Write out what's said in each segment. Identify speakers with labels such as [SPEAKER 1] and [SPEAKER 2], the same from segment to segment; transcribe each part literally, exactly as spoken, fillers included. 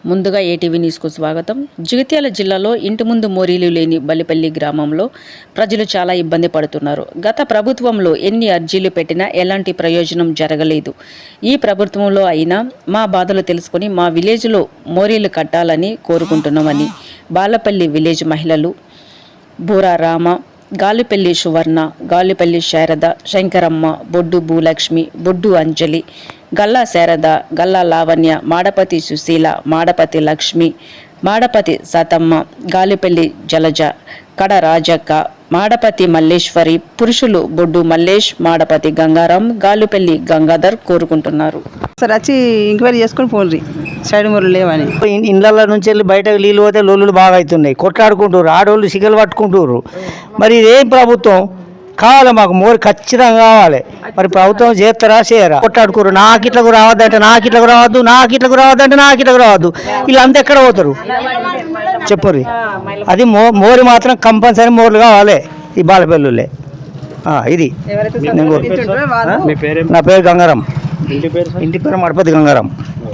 [SPEAKER 1] ముందుగా ఏటీవీ న్యూస్కు స్వాగతం. జగిత్యాల జిల్లాలో ఇంటి ముందు మోరీలు లేని బలిపల్లి గ్రామంలో ప్రజలు చాలా ఇబ్బంది పడుతున్నారు. గత ప్రభుత్వంలో ఎన్ని అర్జీలు పెట్టినా ఎలాంటి ప్రయోజనం జరగలేదు. ఈ ప్రభుత్వంలో అయినా మా బాధలు తెలుసుకుని మా విలేజ్లో మోరీలు కట్టాలని కోరుకుంటున్నామని బాలపల్లి విలేజ్ మహిళలు బూరా రామ, గాలిపల్లి సువర్ణ, గాలిపల్లి శారద, శంకరమ్మ, బొడ్డు భూలక్ష్మి, బొడ్డు అంజలి, గల్లా శారద, గల్లా లావణ్య, మాడపతి సుశీల, మాడపతి లక్ష్మి, మాడపతి సతమ్మ, గాలిపల్లి జలజ, కడ రాజక్క, మాడపతి మల్లేశ్వరి, పురుషులు బొడ్డు మల్లేష్, మాడపతి గంగారాం, గాలిపల్లి గంగాధర్ కోరుకుంటున్నారు.
[SPEAKER 2] సార్ వచ్చి ఎంక్వైరీ చేసుకుని పోండి, సైడ్ మూరలు లేవని.
[SPEAKER 3] ఇళ్ళ నుంచి వెళ్ళి బయటకు నీళ్ళు పోతే లోళ్ళు బాగా అవుతున్నాయి, కొట్లాడుకుంటారు, ఆడోళ్ళు సిగలు పట్టుకుంటారు. మరి ఇదేం ప్రభుత్వం కావాలి? మాకు మోరు ఖచ్చితంగా కావాలి. మరి ప్రభుత్వం చేస్తారా చేయరా? కొట్లాడుకోరు, నాకు ఇట్లకు రావద్దంటే నాకు ఇట్లకు రావద్దు, నాకు ఇట్లకు రావద్దంటే నాకు ఇట్లకు రావద్దు. వీళ్ళంతా ఎక్కడ పోతారు చెప్పుర్రి. అది మో మోరి మాత్రం కంపల్సరీ మోర్లు కావాలి ఈ బాలపల్లులే. ఇది నా పేరు గంగారాం, ఇంటి పేరు మడపతి గంగారాం.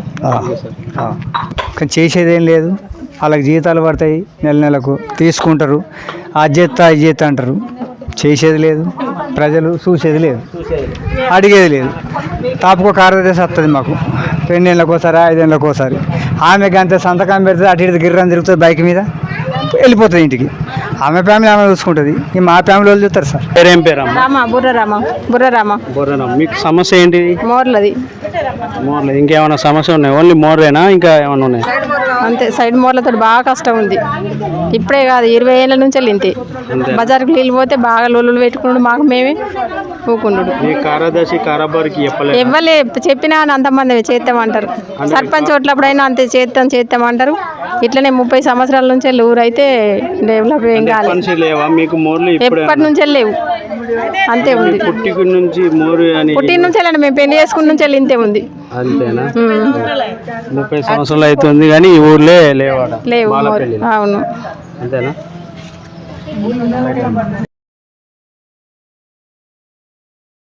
[SPEAKER 3] కానీ చేసేదేం లేదు, వాళ్ళకి జీతాలు పడతాయి, నెల నెలకు తీసుకుంటారు, అది చేస్తా ఇది చేస్తా అంటారు. చేసేది లేదు, ప్రజలు చూసేది లేదు, అడిగేది లేదు. తాపుకో కార్యదర్శి వస్తుంది మాకు రెండేళ్ళకి ఒకసారి, ఐదేళ్ళకి ఒకసారి. ఆమెకి అంతే సంతకం పెడితే అటు ఇటు గిర్రని తిరుగుతుంది బైక్ మీద, వెళ్ళిపోతుంది ఇంటికి. ఆమె ఫ్యామిలీ ఆమె చూసుకుంటుంది, ఈ మా ఫ్యామిలీ వాళ్ళు చూస్తారు. సార్
[SPEAKER 4] పేరేం పేరు?
[SPEAKER 2] బుర్రరామ. బుర్రరామ.
[SPEAKER 4] బుర్రరామ. మీకు సమస్య ఏంటి?
[SPEAKER 2] మోర్లది.
[SPEAKER 4] మోర్లది. ఇంకేమైనా సమస్య ఉన్నాయి? ఓన్లీ మోర్లేనా, ఇంకా ఏమైనా ఉన్నాయి?
[SPEAKER 2] అంతే, సైడ్ మోర్లతో బాగా కష్టం ఉంది. ఇప్పుడే కాదు, ఇరవై ఏళ్ళ నుంచి వెళ్ళి ఇంతే. బజార్కి నీళ్ళు పోతే బాగా లోలు పెట్టుకున్నాడు, మాకు మేమే ఊకుండు.
[SPEAKER 4] కార్యదర్శి కారాబారికి
[SPEAKER 2] ఇవ్వలే, చెప్పినా అంతమంది చేస్తామంటారు. సర్పంచ్ ఓట్లప్పుడైనా అంతే చేస్తాం చేస్తామంటారు. ఇట్లనే ముప్పై సంవత్సరాల నుంచి వెళ్ళి ఊరైతే డెవలప్ ఏం కాలేదు. ఎప్పటి నుంచి వెళ్ళలేవు, అంతే ఉంది.
[SPEAKER 4] పుట్టిన నుంచి మోరు అని
[SPEAKER 2] పుట్టిన నుంచి వెళ్ళండి, మేము పెళ్లి చేసుకున్న నుంచి వెళ్ళి ఇంతే ఉంది.
[SPEAKER 4] అంతేనా? ముప్పై సంవత్సరాలు అవుతుంది కానీ ఈ ఊర్లే లేవు.
[SPEAKER 2] లేవు. అవును,
[SPEAKER 4] అంతేనా?